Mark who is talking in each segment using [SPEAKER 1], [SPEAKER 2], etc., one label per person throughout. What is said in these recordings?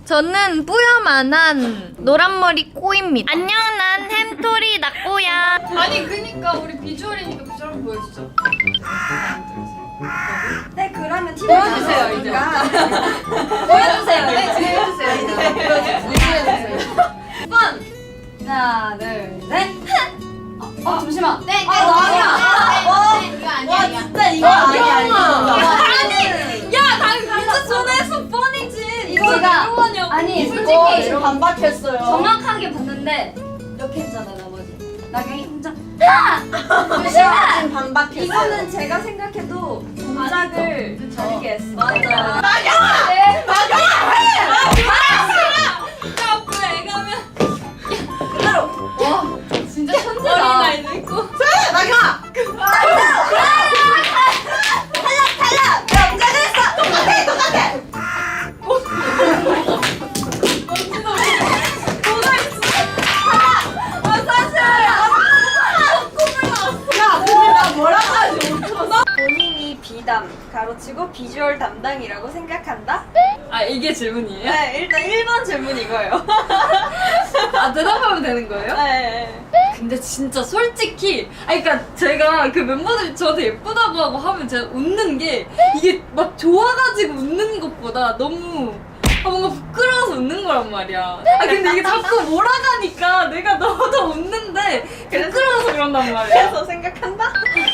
[SPEAKER 1] 저는 뿌여만한 노란머리 꼬입니다. 안녕, 난 햄토리 낙꼬야.
[SPEAKER 2] 아니 그니까 우리 비주얼이니까 비주얼 한번 보여주죠.
[SPEAKER 3] 네, 그러면 팀
[SPEAKER 2] 보여주세요, 이제. 보여주세요. 네, 지금 해주세요. 보여주세요.
[SPEAKER 3] 하나, 둘, 셋.
[SPEAKER 2] 잠시만.
[SPEAKER 3] 네, 나 아니야.
[SPEAKER 2] 이거 아니야.
[SPEAKER 3] 와, 진짜 이거 아니야.
[SPEAKER 2] 아니, 야, 나 진짜 전화해서 뻔이지. 이거
[SPEAKER 3] 제가-
[SPEAKER 2] 이거 아니야.
[SPEAKER 3] 아니,
[SPEAKER 2] 솔직히
[SPEAKER 3] 지금 반박했어요.
[SPEAKER 2] 정확하게 봤는데 이렇게 했잖아 나머지.
[SPEAKER 3] 나경이 혼자.
[SPEAKER 2] 잠시만.
[SPEAKER 3] 지금 반박했어요.
[SPEAKER 2] 이거는 제가 생각해도 동작을 다르게 했어.
[SPEAKER 3] 맞아.
[SPEAKER 2] 진짜 천재다. 어린아이도 있고.
[SPEAKER 3] 본인이 비담, 가로치고 비주얼 담당이라고 생각한다?
[SPEAKER 2] 아 이게 질문이에요?
[SPEAKER 3] 네, 일단 1번 질문 이거예요.
[SPEAKER 2] 아 대답하면 되는 거예요?
[SPEAKER 3] 네.
[SPEAKER 2] 근데 진짜 솔직히 그러니까 제가 그 멤버들이 저한테 예쁘다고 하고 하면 제가 웃는 게 이게 막 좋아가지고 웃는 것보다 너무 뭔가 부끄러워서 웃는 거란 말이야. 근데 이게 자꾸 몰아가니까 내가 너도 웃는데 부끄러워서 그런단 말이야.
[SPEAKER 3] 그래서 생각한다?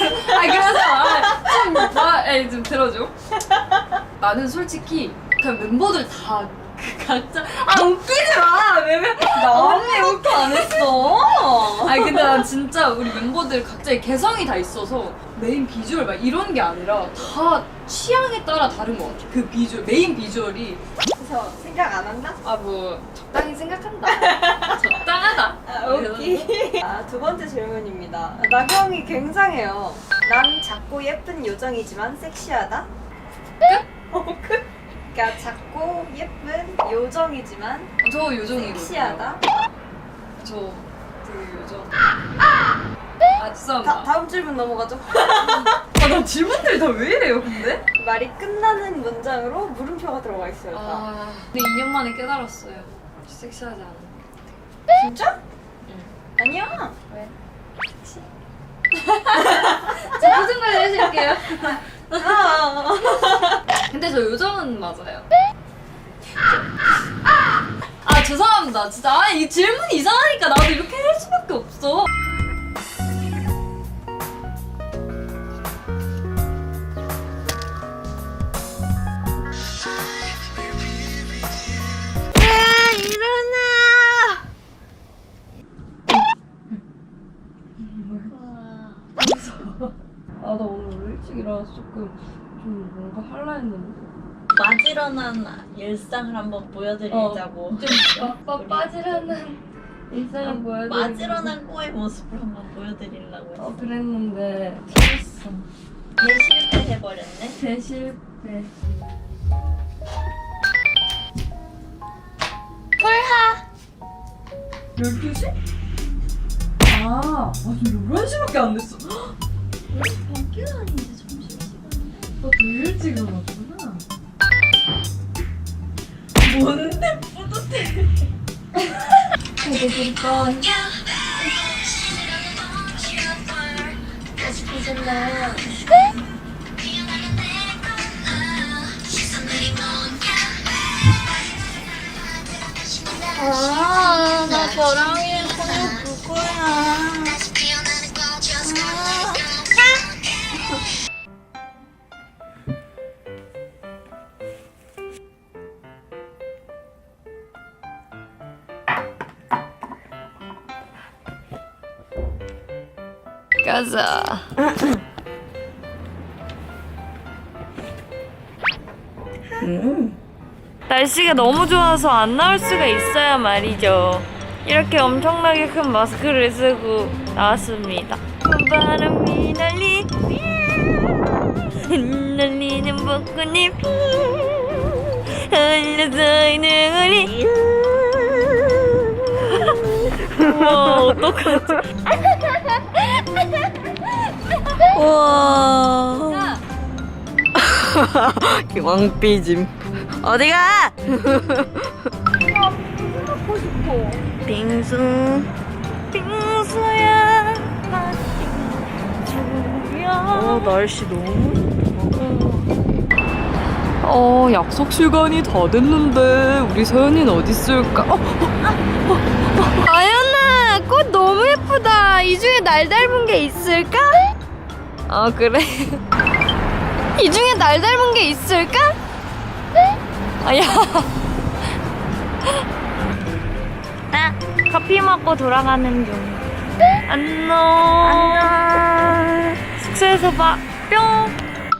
[SPEAKER 2] 그래서 좀 들어줘. 나는 솔직히 그냥 멤버들 다 각자 웃기지 마. 왜냐면
[SPEAKER 3] 나 언니 이렇게 안 했어.
[SPEAKER 2] 근데 난 진짜 우리 멤버들 각자의 개성이 다 있어서 메인 비주얼 막 이런 게 아니라 다 취향에 따라 다른 것 같아. 그 비주얼, 메인 비주얼이
[SPEAKER 3] 그래서 생각 안 한다?
[SPEAKER 2] 뭐 적당히 생각한다. 적당하다.
[SPEAKER 3] 오케이. 두 번째 질문입니다. 나경이 굉장해요. 난 작고 예쁜 요정이지만 섹시하다? 끝? 그러니까 작고 예쁜 요정이지만
[SPEAKER 2] 저 요정이거든요.
[SPEAKER 3] 섹시하다?
[SPEAKER 2] 저 되게 요정. 죄송합니다.
[SPEAKER 3] 다음 질문 넘어가죠.
[SPEAKER 2] 나 질문들이 다 왜 이래요, 근데?
[SPEAKER 3] 말이 끝나는 문장으로 물음표가 들어가 있어요. 다.
[SPEAKER 2] 근데 2년 만에 깨달았어요. 섹시하지 않아.
[SPEAKER 3] 진짜?
[SPEAKER 2] 응.
[SPEAKER 3] 아니야.
[SPEAKER 2] 왜? 저 표정 관리 해줄게요. 근데 저 요정은 맞아요. 죄송합니다. 진짜 이 질문이 이상하니까 나도 이렇게 할 수밖에 없어. 나 오늘 일찍 일어나서 조금 좀 뭔가 할라 했는데.
[SPEAKER 4] 마지런한 일상을 한번 보여드리자고.
[SPEAKER 2] 좀 빠지려는 일상을 보여드리고.
[SPEAKER 4] 마지런한 꼬의 모습을 한번 보여드리려고 했어.
[SPEAKER 2] 그랬는데 틀렸어.
[SPEAKER 4] 대실패해버렸네.
[SPEAKER 2] 대실패.
[SPEAKER 1] 콜하.
[SPEAKER 2] 12시? 지금 11시밖에 안 됐어.
[SPEAKER 4] 밖에가 아닌데 점심시간인데.
[SPEAKER 2] 너 되게 일찍 일어났구나.
[SPEAKER 4] 뭔데 뿌듯해.
[SPEAKER 2] 그러니까
[SPEAKER 1] 나 저랑이 손을 볼 거야. 가자. 날씨가 너무 좋아서 안 나올 수가 있어야 말이죠. 이렇게 엄청나게 큰 마스크를 쓰고 나왔습니다. 바람이 날리는 벚꽃잎 흘러서 있는 우리. 우와, 어떡하지?
[SPEAKER 3] 우와. 왕삐짐. 어디가? 빙포.
[SPEAKER 1] 빙수 빙수야 날씨 너무 좋다. 약속 시간이 다 됐는데 우리 서연이는 어디 있을까?
[SPEAKER 3] 아연아, 꽃 너무 예쁘다. 이 중에 날 닮은 게 있을까?
[SPEAKER 1] 그래?
[SPEAKER 3] 이 중에 날 닮은 게 있을까?
[SPEAKER 1] 아야. 커피 먹고 돌아가는 중. 안녕. 숙소에서 봐. 뿅.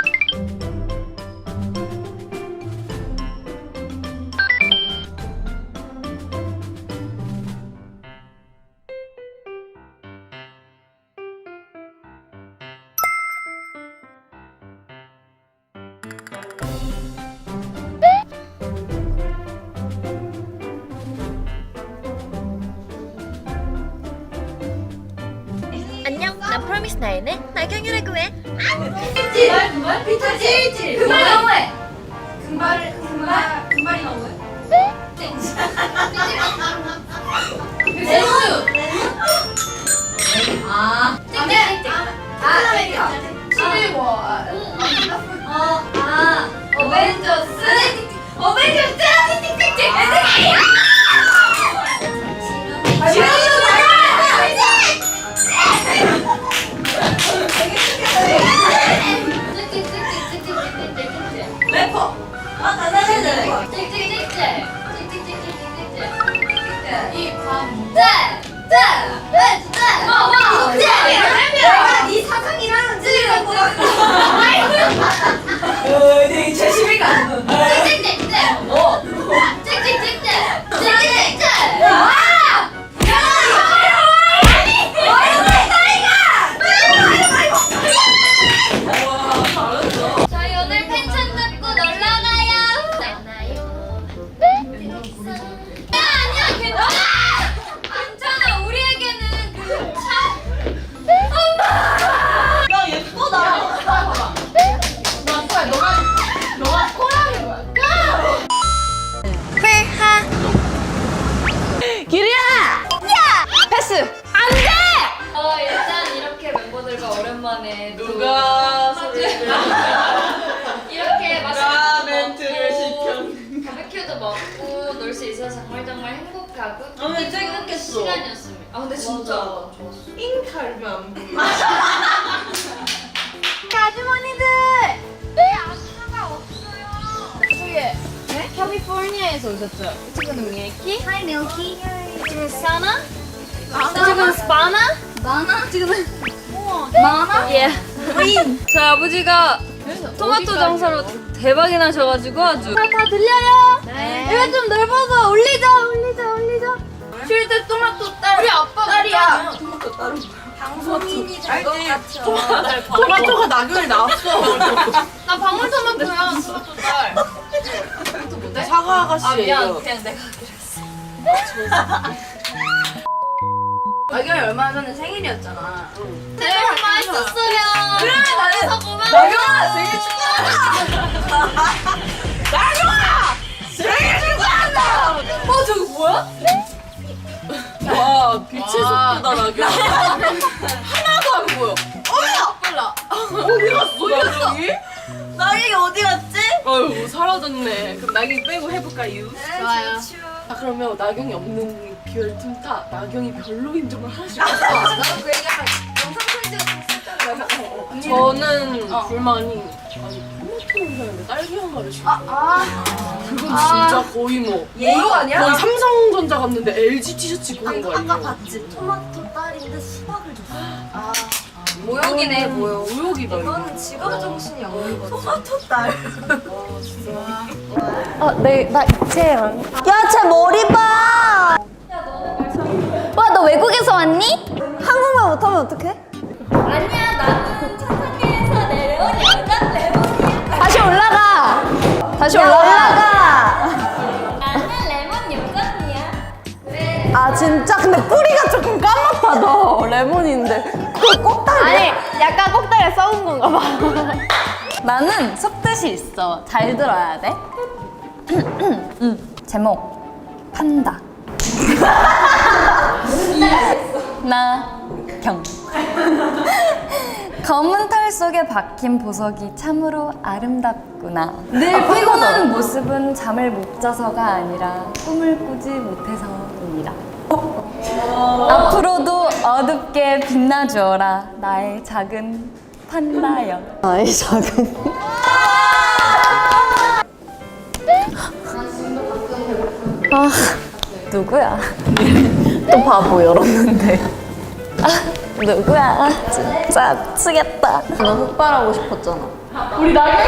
[SPEAKER 5] 안녕, 난 프로미스 나인의 나경이라고 해.
[SPEAKER 2] 금발 너무해. 금발이 너무해. 레몬. 아. 땡땡땡. 아메리카. 11월. 어벤져스. 어벤져스. 땡땡땡. 래퍼. 네 사상이랑 찌르는 거. 되게 재심이가.
[SPEAKER 5] 저희 오늘 펜션 잡고 놀러 가요. 아니야, 괜찮아. 우리에게는 그
[SPEAKER 4] 야 예쁘다.
[SPEAKER 1] 일단 이렇게 멤버들과 오랜만에
[SPEAKER 4] 누가 소리를
[SPEAKER 1] 이렇게
[SPEAKER 4] 누가
[SPEAKER 1] 맛있는
[SPEAKER 4] 멘트를
[SPEAKER 1] 먹고 바베큐도 먹고 놀 수 있어서 정말 행복하고
[SPEAKER 4] 근데 되게
[SPEAKER 1] 좋은
[SPEAKER 4] 행복했어.
[SPEAKER 1] 시간이었습니다. 근데 진짜 좋았어.
[SPEAKER 4] 잉 갈비 안 보여.
[SPEAKER 3] 아주머니들! 아줌마가 없어요. 저기, 캘리포니아에서 오셨죠? 지금은 밀키?
[SPEAKER 5] 하이 밀키.
[SPEAKER 3] 지금 사나? 지금 스파나? 마나? 지금은 마나?
[SPEAKER 1] 예. 저희 아버지가 토마토 장사로 대박이 나셔가지고 아주
[SPEAKER 3] 다 들려요? 네. 이거 좀 넓어서 올리자. 쉴 때 토마토 딸. 우리 아빠 딸이야.
[SPEAKER 2] 방송인이 될 것 같죠.
[SPEAKER 4] 토마토가 낙엽이 나왔어.
[SPEAKER 3] 나 방울토마토야. 토마토 딸.
[SPEAKER 4] 사과 아가씨.
[SPEAKER 1] 그냥 내가
[SPEAKER 3] 나경이 얼마 전에 생일이었잖아.
[SPEAKER 5] 네, 맛있었어요.
[SPEAKER 3] 그래,
[SPEAKER 5] 나는 고마워.
[SPEAKER 3] 나경아 생일 축하한다. 생일 축하한다.
[SPEAKER 2] 저거 뭐야?
[SPEAKER 4] 와 빛의 속도다 낙엽.
[SPEAKER 3] 하나도 안 보여. 빨라.
[SPEAKER 4] 어디 갔어 낙엽이?
[SPEAKER 3] 나경이 어디 갔지?
[SPEAKER 4] 어휴 사라졌네. 그럼 낙엽 빼고 해볼까요?
[SPEAKER 3] 좋아요.
[SPEAKER 4] 아 그러면 나경이 없는 기회를 틈타 나경이 별로인 점을 하나씩
[SPEAKER 3] 나도 그 얘기하면 영상 편지가
[SPEAKER 4] 저는 불만이 아니 토마토 냄새인데 딸기 향가를 지금 그건 진짜 거의 뭐
[SPEAKER 3] 예의가 아니야?
[SPEAKER 4] 거의 삼성전자 갔는데 LG 티셔츠 입고 온 거야
[SPEAKER 3] 아까
[SPEAKER 4] 이거.
[SPEAKER 3] 봤지? 토마토 딸인데 수박을 줬어. 모욕이네, 모욕.
[SPEAKER 4] 모욕이다 이거.
[SPEAKER 3] 이거는 직업 정신이 없는 거지. 토마토 딸.
[SPEAKER 5] 야, 쟤 머리 봐. 와, 너 외국에서 왔니?
[SPEAKER 3] 한국말 못하면 어떡해?
[SPEAKER 5] 아니야, 나는 천상계에서 내려온 여자 레몬이야.
[SPEAKER 3] 다시 올라가. 다시 올라가.
[SPEAKER 5] 나는 레몬 여전이야. 왜?
[SPEAKER 3] 아 진짜 근데 뿌리가 조금 까맣다 너 레몬인데 그걸 꼭다리야? 아니 약간 꼭다리에 썩은 건가 봐. 나는 속뜻이 있어. 잘 들어야 돼. 제목 판다. 나경. 검은 털 속에 박힌 보석이 참으로 아름답구나. 늘 피곤한 모습은 잠을 못 자서가 아니라 꿈을 꾸지 못해서입니다. 앞으로도 어둡게 빛나주어라 나의 작은 판다여. 나의 작은. 아 누구야? 또 바보 열었는데. 아 누구야? 진짜 미치겠다. 너 흑발하고 싶었잖아.
[SPEAKER 4] 우리 나경이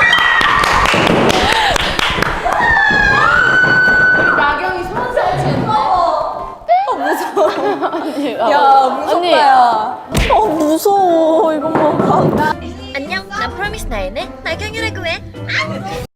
[SPEAKER 4] 소환사 치는데.
[SPEAKER 3] 야 무섭다 야. 무서워 이것만 봐.
[SPEAKER 5] 안녕, 난 프로미스 나인의 나경이라고 해.